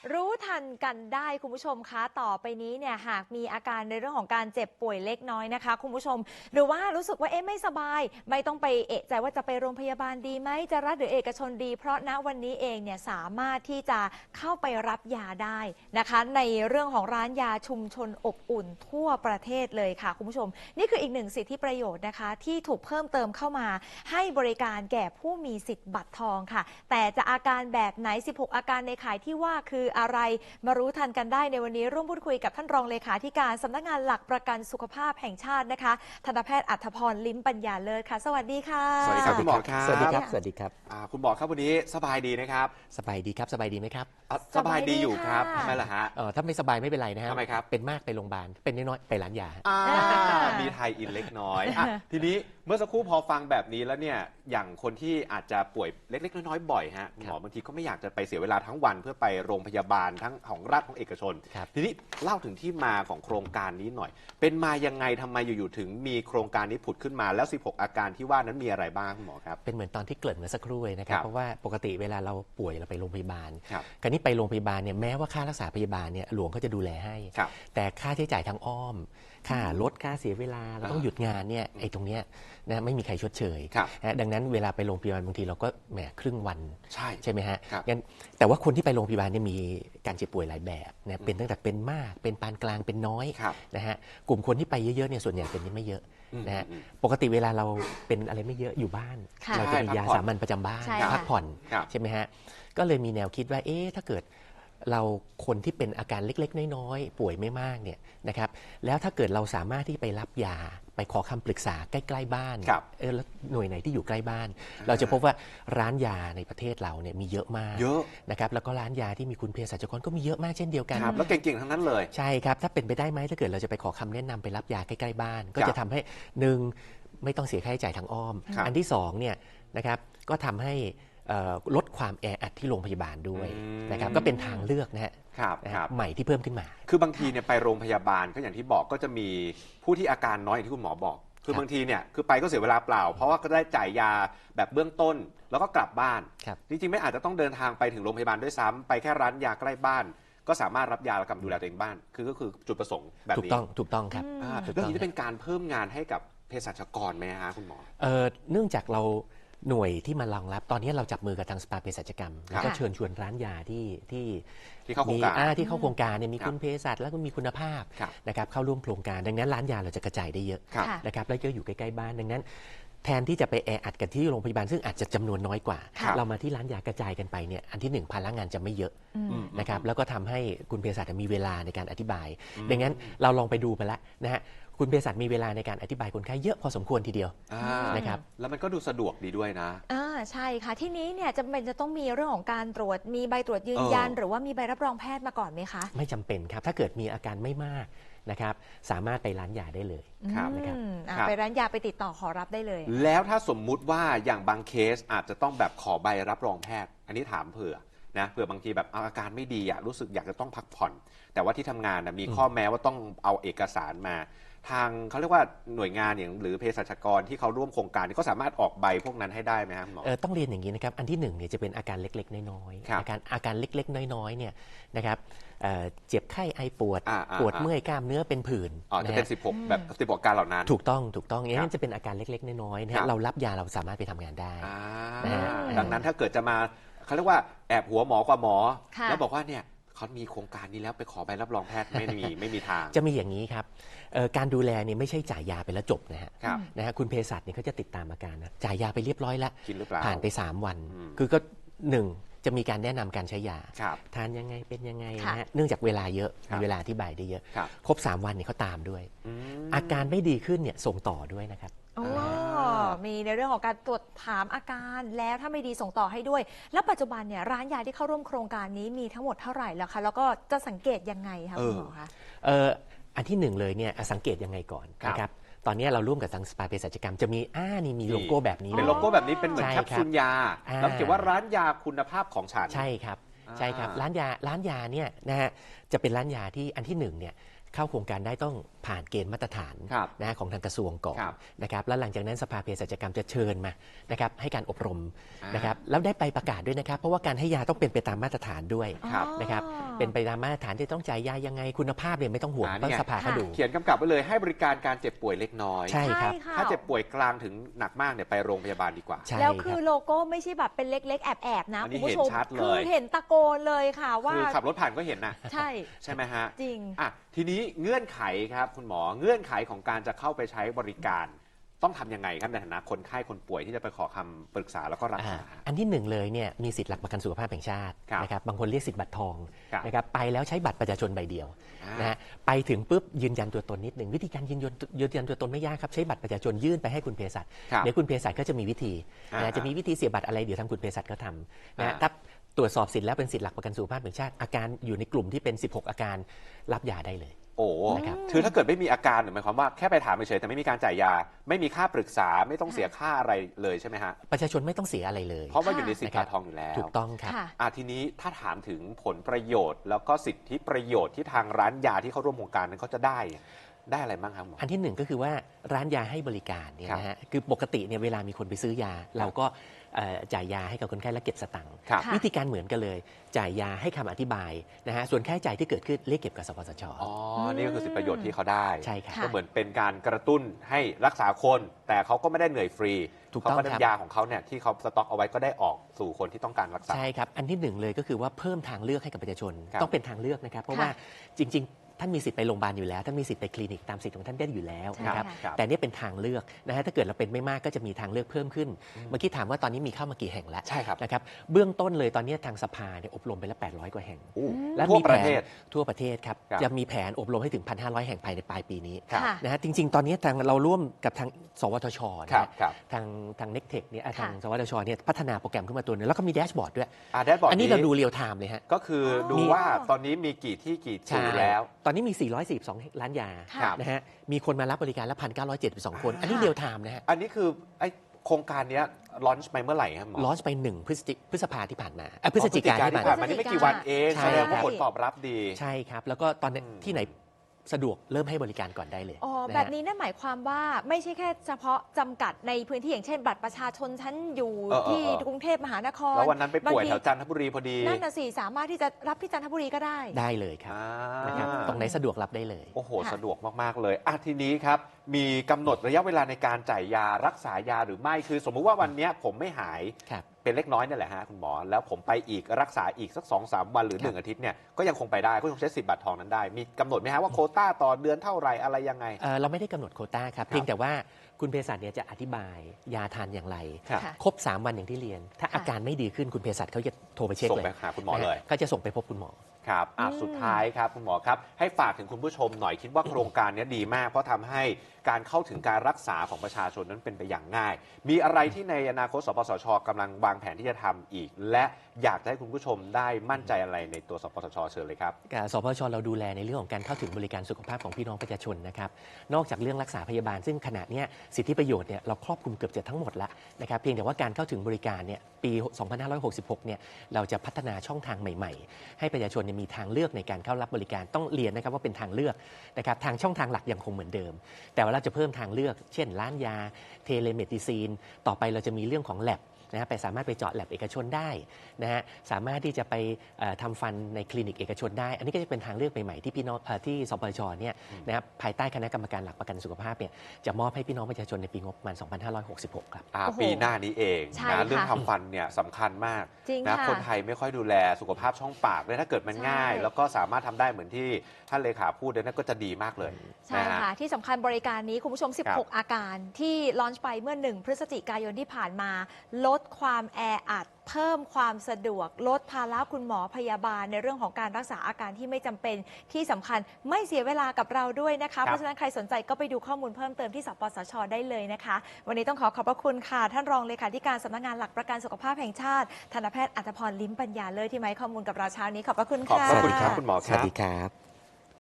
รู้ทันกันได้คุณผู้ชมคะต่อไปนี้เนี่ยหากมีอาการในเรื่องของการเจ็บป่วยเล็กน้อยนะคะคุณผู้ชมหรือว่ารู้สึกว่าไม่สบายไม่ต้องไปเอะใจว่าจะไปโรงพยาบาลดีไหมจะรัฐหรือเอกชนดีเพราะณวันนี้เองเนี่ยสามารถที่จะเข้าไปรับยาได้นะคะในเรื่องของร้านยาชุมชนอบอุ่นทั่วประเทศเลยค่ะคุณผู้ชมนี่คืออีกหนึ่งสิทธิประโยชน์นะคะที่ถูกเพิ่มเติมเข้ามาให้บริการแก่ผู้มีสิทธิ์บัตรทองค่ะแต่จะอาการแบบไหน16อาการในข่ายที่ว่าคืออะไรมารู้ทันกันได้ในวันนี้ร่วมพูดคุยกับท่านรองเลขาธิการสำนักงานหลักประกันสุขภาพแห่งชาตินะคะทันตแพทย์อัธพรลิ้มปัญญาเลิศค่ะสวัสดีค่ะสวัสดีครับคุณหมอครับสวัสดีครับสวัสดีครับคุณหมอครับวันนี้สบายดีนะครับสบายดีครับสบายดีไหมครับสบายดีอยู่ครับทำไมล่ะฮะถ้าไม่สบายไม่เป็นไรนะฮะทำไมครับเป็นมากไปโรงพยาบาลเป็นน้อยๆไปร้านยามีไทยอินเล็กน้อยทีนี้เมื่อสักครู่พอฟังแบบนี้แล้วเนี่ยอย่างคนที่อาจจะป่วยเล็กๆน้อยๆบ่อยฮะคุณหมอบางทีก็ไม่อยากจะไปเสียเวลาทั้งวันเพื่อไปโรงพยาบาลทั้งของรัฐของเอกชนทีนี้เล่าถึงที่มาของโครงการนี้หน่อยเป็นมายังไงทำไมอยู่ๆถึงมีโครงการนี้ผุดขึ้นมาแล้ว16อาการที่ว่านั้นมีอะไรบ้างคุณหมอครับเป็นเหมือนตอนที่เกริ่นเมื่อสักครู่เลยนะครับเพราะว่าปกติเวลาเราป่วยเราไปโรงพยาบาลคราวนี้ไปโรงพยาบาลเนี่ยแม้ว่าค่ารักษาพยาบาลเนี่ยหลวงเขาจะดูแลให้แต่ค่าใช้จ่ายทางอ้อมค่ารถค่าเสียเวลาเราต้องหยุดงานเนี่ยไอ้ตรงเนี้ยนะไม่มีใครชดเชยดังนั้นเวลาไปโรงพยาบาลบางทีเราก็แหมครึ่งวันใช่ไหมฮะงั้นแต่ว่าคนที่ไปโรงพยาบาลเนี่ยมีการเจ็บป่วยหลายแบบนะเป็นตั้งแต่เป็นมากเป็นปานกลางเป็นน้อยนะฮะกลุ่มคนที่ไปเยอะๆเนี่ยส่วนใหญ่เป็นไม่เยอะนะฮะปกติเวลาเราเป็นอะไรไม่เยอะอยู่บ้านเราจะมียาสามัญประจำบ้านพักผ่อนใช่ไหมฮะก็เลยมีแนวคิดว่าถ้าเกิดเราคนที่เป็นอาการเล็กๆน้อยๆป่วยไม่มากเนี่ยนะครับแล้วถ้าเกิดเราสามารถที่ไปรับยาไปขอคำปรึกษาใกล้ๆบ้านแล้วหน่วยไหนที่อยู่ใกล้บ้านเราจะพบว่าร้านยาในประเทศเราเนี่ยมีเยอะมากนะครับแล้วก็ร้านยาที่มีคุณเภสัชกรก็มีเยอะมากเช่นเดียวกันแล้วเก่งๆทั้งนั้นเลยใช่ครับถ้าเป็นไปได้ไหมถ้าเกิดเราจะไปขอคำแนะนำไปรับยาใกล้ๆบ้านก็จะทำให้1ไม่ต้องเสียค่าใช้จ่ายทางอ้อมอันที่2เนี่ยนะครับก็ทำให้ลดความแออัดที่โรงพยาบาลด้วยนะครับก็เป็นทางเลือกนะฮะใหม่ที่เพิ่มขึ้นมาคือบางทีเนี่ยไปโรงพยาบาลก็อย่างที่บอกก็จะมีผู้ที่อาการน้อยอย่างที่คุณหมอบอกคือบางทีเนี่ยคือไปก็เสียเวลาเปล่าเพราะว่าก็ได้จ่ายยาแบบเบื้องต้นแล้วก็กลับบ้านจริงๆไม่อาจจะต้องเดินทางไปถึงโรงพยาบาลด้วยซ้ำไปแค่ร้านยาใกล้บ้านก็สามารถรับยาและกำลังดูแลตัวเองบ้านก็คือจุดประสงค์แบบนี้ถูกต้องครับเรื่องนี้จะเป็นการเพิ่มงานให้กับเภสัชกรไหมฮะคุณหมอเนื่องจากเราหน่วยที่มารองรับตอนนี้เราจับมือกับทางสภาเภสัชกรรมแล้วก็เชิญชวนร้านยาที่เข้าโครงการที่เข้าโครงการเนี่ยมีคุณเภสัชแล้วก็มีคุณภาพนะครับเข้าร่วมโครงการดังนั้นร้านยาเราจะกระจายได้เยอะนะครับแล้วก็อยู่ใกล้ๆบ้านดังนั้นแทนที่จะไปแออัดกันที่โรงพยาบาลซึ่งอาจจะจำนวนน้อยกว่าเรามาที่ร้านยากระจายกันไปเนี่ยอันที่1ภาระงานจะไม่เยอะนะครับแล้วก็ทำให้คุณเภสัชมีเวลาในการอธิบายดังนั้นเราลองไปดูไปแล้วนะฮะคุณเภสัชมีเวลาในการอธิบายคนไข้เยอะพอสมควรทีเดียวนะครับแล้วมันก็ดูสะดวกดีด้วยนะใช่ค่ะที่นี้เนี่ยจะต้องมีเรื่องของการตรวจมีใบตรวจยืนยันหรือว่ามีใบรับรองแพทย์มาก่อนไหมคะไม่จำเป็นครับถ้าเกิดมีอาการไม่มากนะครับสามารถไปร้านยาได้เลยนะครับไปร้านยาไปติดต่อขอรับได้เลยแล้วถ้าสมมุติว่าอย่างบางเคสอาจจะต้องแบบขอใบรับรองแพทย์อันนี้ถามเผื่อบางทีแบบอาการไม่ดีรู้สึกอยากจะต้องพักผ่อนแต่ว่าที่ทำงานมีข้อแม้ว่าต้องเอาเอกสารมาทางเขาเรียกว่าหน่วยงานอย่างหรือเภสัชกรที่เขาร่วมโครงการก็สามารถออกใบพวกนั้นให้ได้ไหมครับหมอต้องเรียนอย่างนี้นะครับอันที่1เนี่ยจะเป็นอาการเล็กๆน้อยๆอาการเล็กๆน้อยๆเนี่ยนะครับเจ็บไข้ไอปวดเมื่อยกล้ามเนื้อเป็นผื่นจะเป็น16แบบ16อาการเหล่านั้นถูกต้องอย่างนั้นจะเป็นอาการเล็กๆน้อยๆนะเรารับยาเราสามารถไปทำงานได้ดังนั้นถ้าเกิดจะมาเขาเรียกว่าแอบหัวหมอกว่าหมอแล้วบอกว่าเนี่ยเขามีโครงการนี้แล้วไปขอใบรับรองแพทย์ไม่มีทางจะมีอย่างนี้ครับการดูแลเนี่ยไม่ใช่จ่ายยาไปแล้วจบนะฮะคุณเภสัชเนี่ยเขาจะติดตามอาการนะจ่ายยาไปเรียบร้อยแล้วผ่านไป3วันคือก็1จะมีการแนะนำการใช้ยาทานยังไงเป็นยังไงนะฮะเนื่องจากเวลาเยอะมีเวลาอธิบายได้เยอะครบ3วันเนี่ยเขาตามด้วยอาการไม่ดีขึ้นเนี่ยส่งต่อด้วยนะครับมีในเรื่องของการตรวจถามอาการแล้วถ้าไม่ดีส่งต่อให้ด้วยแล้วปัจจุบันเนี่ยร้านยาที่เข้าร่วมโครงการนี้มีทั้งหมดเท่าไหร่แล้วคะแล้วก็จะสังเกตยังไงคะคุณหมอคะอันที่1เลยเนี่ยสังเกตยังไงก่อนนะครับตอนนี้เราร่วมกับทางสภาเภสัชกรรมจะมีนี่มีโลโก้แบบนี้เป็นโลโก้แบบนี้เป็นเหมือนแคปซูลยาแล้วเขียนว่าร้านยาคุณภาพของฉันใช่ครับร้านยาเนี่ยนะฮะจะเป็นร้านยาที่อันที่1เนี่ยเข้าโครงการได้ต้องผ่านเกณฑ์มาตรฐานนะของทางกระทรวงก่อนนะครับแล้วหลังจากนั้นสภาเภสัชกรรมจะเชิญมานะครับให้การอบรมนะครับแล้วได้ไปประกาศด้วยนะครับเพราะว่าการให้ยาต้องเป็นไปตามมาตรฐานด้วยนะครับเป็นไปตามมาตรฐานที่ต้องจ่ายยายังไงคุณภาพเนี่ยไม่ต้องห่วงเพราะสภาเขาดูเขียนกำกับไว้เลยให้บริการการเจ็บป่วยเล็กน้อยใช่ครับถ้าเจ็บป่วยกลางถึงหนักมากเนี่ยไปโรงพยาบาลดีกว่าแล้วคือโลโก้ไม่ใช่แบบเป็นเล็กๆแอบๆนะคุณผู้ชมคือเห็นตะโกนเลยค่ะว่าคือขับรถผ่านก็เห็นนะใช่ไหมฮะจริงทีนี้เงื่อนไขครับคุณหมอเงื่อนไขของการจะเข้าไปใช้บริการต้องทำยังไงครับในฐานะคนไข้คนป่วยที่จะไปขอคำปรึกษาแล้วก็รักษาอันที่หนึ่งเลยเนี่ยมีสิทธิหลักประกันสุขภาพแห่งชาตินะครับบางคนเรียกสิทธิบัตรทองนะครับไปแล้วใช้บัตรประชาชนใบเดียวนะฮะไปถึงปุ๊บยืนยันตัวตนนิดหนึ่งวิธีการยืนยันตัวตนไม่ยากครับใช้บัตรประชาชนยื่นไปให้คุณเภสัชเดี๋ยวคุณเภสัชก็จะมีวิธีนะจะมีวิธีเสียบัตรอะไรเดี๋ยวทางคุณเภสัชก็ทำนะถ้าตรวจสอบสิทธิ์แล้วเป็นสิทธิหลักประกันสุขภาพแห่งชาติอาการอยู่ในกลุ่มที่เป็น16อาการรับยาได้เลยโอ้คือถ้าเกิดไม่มีอาการหมายความว่าแค่ไปถามเฉยแต่ไม่มีการจ่ายยาไม่มีค่าปรึกษาไม่ต้องเสียค่าอะไรเลยใช่ไหมฮะประชาชนไม่ต้องเสียอะไรเลยเพราะว่าอยู่ในสิทธิบัตรทองอยู่แล้วถูกต้องครับทีนี้ถ้าถามถึงผลประโยชน์แล้วก็สิทธิประโยชน์ที่ทางร้านยาที่เขาร่วมโครงการนั้นเขาจะได้อะไรบ้างครับหมออันที่หนึ่งก็คือว่าร้านยาให้บริการเนี่ยนะฮะคือปกติเนี่ยเวลามีคนไปซื้อยาเราก็จ่ายยาให้กับคนไข้และเก็บสตังค์วิธีการเหมือนกันเลยจ่ายยาให้คำอธิบายนะฮะส่วนค่าใช้จ่ายที่เกิดขึ้นเรียกเก็บกับสปสช. นี่ก็คือสิทธิประโยชน์ที่เขาได้ใช่ครับก็เหมือนเป็นการกระตุ้นให้รักษาคนแต่เขาก็ไม่ได้เหนื่อยฟรีเขาก็ได้ยาของเขาเนี่ยที่เขาสต็อกเอาไว้ก็ได้ออกสู่คนที่ต้องการรักษาใช่ครับอันที่หนึ่งเลยก็คือว่าเพิ่มทางเลือกให้กับประชาชนต้องเป็นทางเลือกนะครับเพราะว่าจริงท่านมีสิทธิ์ไปโรงพยาบาลอยู่แล้วท่านมีสิทธิ์ไปคลินิกตามสิทธิ์ของท่านได้อยู่แล้วนะครับแต่นี่เป็นทางเลือกนะฮะถ้าเกิดเราเป็นไม่มากก็จะมีทางเลือกเพิ่มขึ้นเมื่อกี้ถามว่าตอนนี้มีเข้ามากี่แห่งแล้วนะครับเบื้องต้นเลยตอนนี้ทางสภาเนี่ยอบรมไปแล้ว800กว่าแห่งและทั่วประเทศครับจะมีแผนอบรมให้ถึง 1,500 แห่งภายในปลายปีนี้นะฮะจริงๆตอนนี้ทางเราร่วมกับทางสวทชทางเน็กเทคเนี่ยทางสวทชเนี่ยพัฒนาโปรแกรมขึ้นมาตัวนึงแล้วก็มีแดชบอร์ดด้วยอันนี้เราดูเรียลไทม์เลยฮะก็คือดูว่าตอนนี้มีกี่ที่กี่จุดแล้วตอนนี้มี442ล้านยานะฮะมีคนมารับบริการละ1,972 คนอันนี้เรียลไทม์นะฮะอันนี้คือไอโครงการนี้ลอนช์ไปเมื่อไหร่ครับหมอลอนช์ไป1พฤษภาที่ผ่านมาพฤศจิกายนที่ผ่านมานี่ไม่กี่วันเองแสดงว่าผลตอบรับดีใช่ครับแล้วก็ตอนที่ไหนสะดวกเริ่มให้บริการก่อนได้เลยแบบนี้นั่นหมายความว่าไม่ใช่แค่เฉพาะจำกัดในพื้นที่อย่างเช่นบัตรประชาชนชั้นอยู่ที่กรุงเทพมหานครแล้ววันนั้นไปป่วยแถวจันทบุรีพอดีนั่นน่ะสิสามารถที่จะรับที่จันทบุรีก็ได้เลยครับนะครับตรงไหนสะดวกรับได้เลยโอ้โหสะดวกมากๆเลยทีนี้ครับมีกำหนดระยะเวลาในการจ่ายยารักษายาหรือไม่คือสมมุติว่าวันนี้ผมไม่หายเป็นเล็กน้อยนี่แหละฮะคุณหมอแล้วผมไปอีกรักษาอีกสัก 2-3 วันหรือ1อาทิตย์เนี่ยก็ยังคงไปได้ก็ยังใช้สิทธิ์บัตรทองนั้นได้มีกำหนดไหมฮะว่าโควต้าต่อเดือนเท่าไหร่อะไรยังไงเราไม่ได้กำหนดโควต้าครับเพียงแต่ว่าคุณเภสัชเนี่ยจะอธิบายยาทานอย่างไรครบ3วันอย่างที่เรียนถ้าอาการไม่ดีขึ้นคุณเภสัชเขาจะโทรไปเช็คเลยส่งไปหาคุณหมอเลยก็จะส่งไปพบคุณหมอครับสุดท้ายครับคุณหมอครับให้ฝากถึงคุณผู้ชมหน่อยคิดว่าโครงการนี้ดีมากเพราะทำให้การเข้าถึงการรักษาของประชาชนนั้นเป็นไปอย่างง่ายมีอะไรที่ในอนาคตสปสช.กำลังวางแผนที่จะทำอีกและอยากให้คุณผู้ชมได้มั่นใจอะไรในตัวสปสช.เชิญเลยครับสปสช.เราดูแลในเรื่องของการเข้าถึงบริการสุขภาพของพี่น้องประชาชนนะครับนอกจากเรื่องรักษาพยาบาลซึ่งขณะนี้สิทธิประโยชน์เนี่ยเราครอบคลุมเกือบจะทั้งหมดแล้วนะครับเพียงแต่ว่าการเข้าถึงบริการเนี่ยปี 2566 เนี่ยเราจะพัฒนาช่องทางใหม่ๆให้ประชาชนมีทางเลือกในการเข้ารับบริการต้องเรียนนะครับว่าเป็นทางเลือกนะครับทางช่องทางหลักยังคงเหมือนเดิมแต่ว่าเราจะเพิ่มทางเลือกเช่นร้านยาเทเลเมดิซีนต่อไปเราจะมีเรื่องของ labนะไปสามารถไปเจาะแลบเอกชนได้นะฮะสามารถที่จะไปทำฟันในคลินิกเอกชนได้อันนี้ก็จะเป็นทางเลือกใหม่ๆที่พี่น้องที่สปสช.เนี่ยนะครับภายใต้คณะกรรมการหลักประกันสุขภาพเนี่ยจะมอบให้พี่น้องประชาชนในปีงบประมาณ 2566 ครับปีหน้านี้เองนะเรื่องทำฟันเนี่ยสำคัญมากนะคนไทยไม่ค่อยดูแลสุขภาพช่องปากเลยถ้าเกิดมันง่ายแล้วก็สามารถทำได้เหมือนที่ท่านเลขาพูดนั่นก็จะดีมากเลยใช่ค่ะที่สำคัญบริการนี้คุณผู้ชม16อาการที่ลอนช์ไปเมื่อ1พฤศจิกายนที่ผ่านมาลดความแออัดเพิ่มความสะดวกลดภาระคุณหมอพยาบาลในเรื่องของการรักษาอาการที่ไม่จำเป็นที่สำคัญไม่เสียเวลากับเราด้วยนะคะเพราะฉะนั้นใครสนใจก็ไปดูข้อมูลเพิ่มเติมที่สปสช.ได้เลยนะคะวันนี้ต้องขอบพระคุณค่ะท่านรองเลขาธิการสำนักงานหลักประกันสุขภาพแห่งชาติทันตแพทย์อัธพร ลิ้มปัญญาเลิศที่มาให้ข้อมูลกับเราเช้านี้ขอบพระคุณค่ะขอบพระคุณครับคุณหมอสวัสดีครับ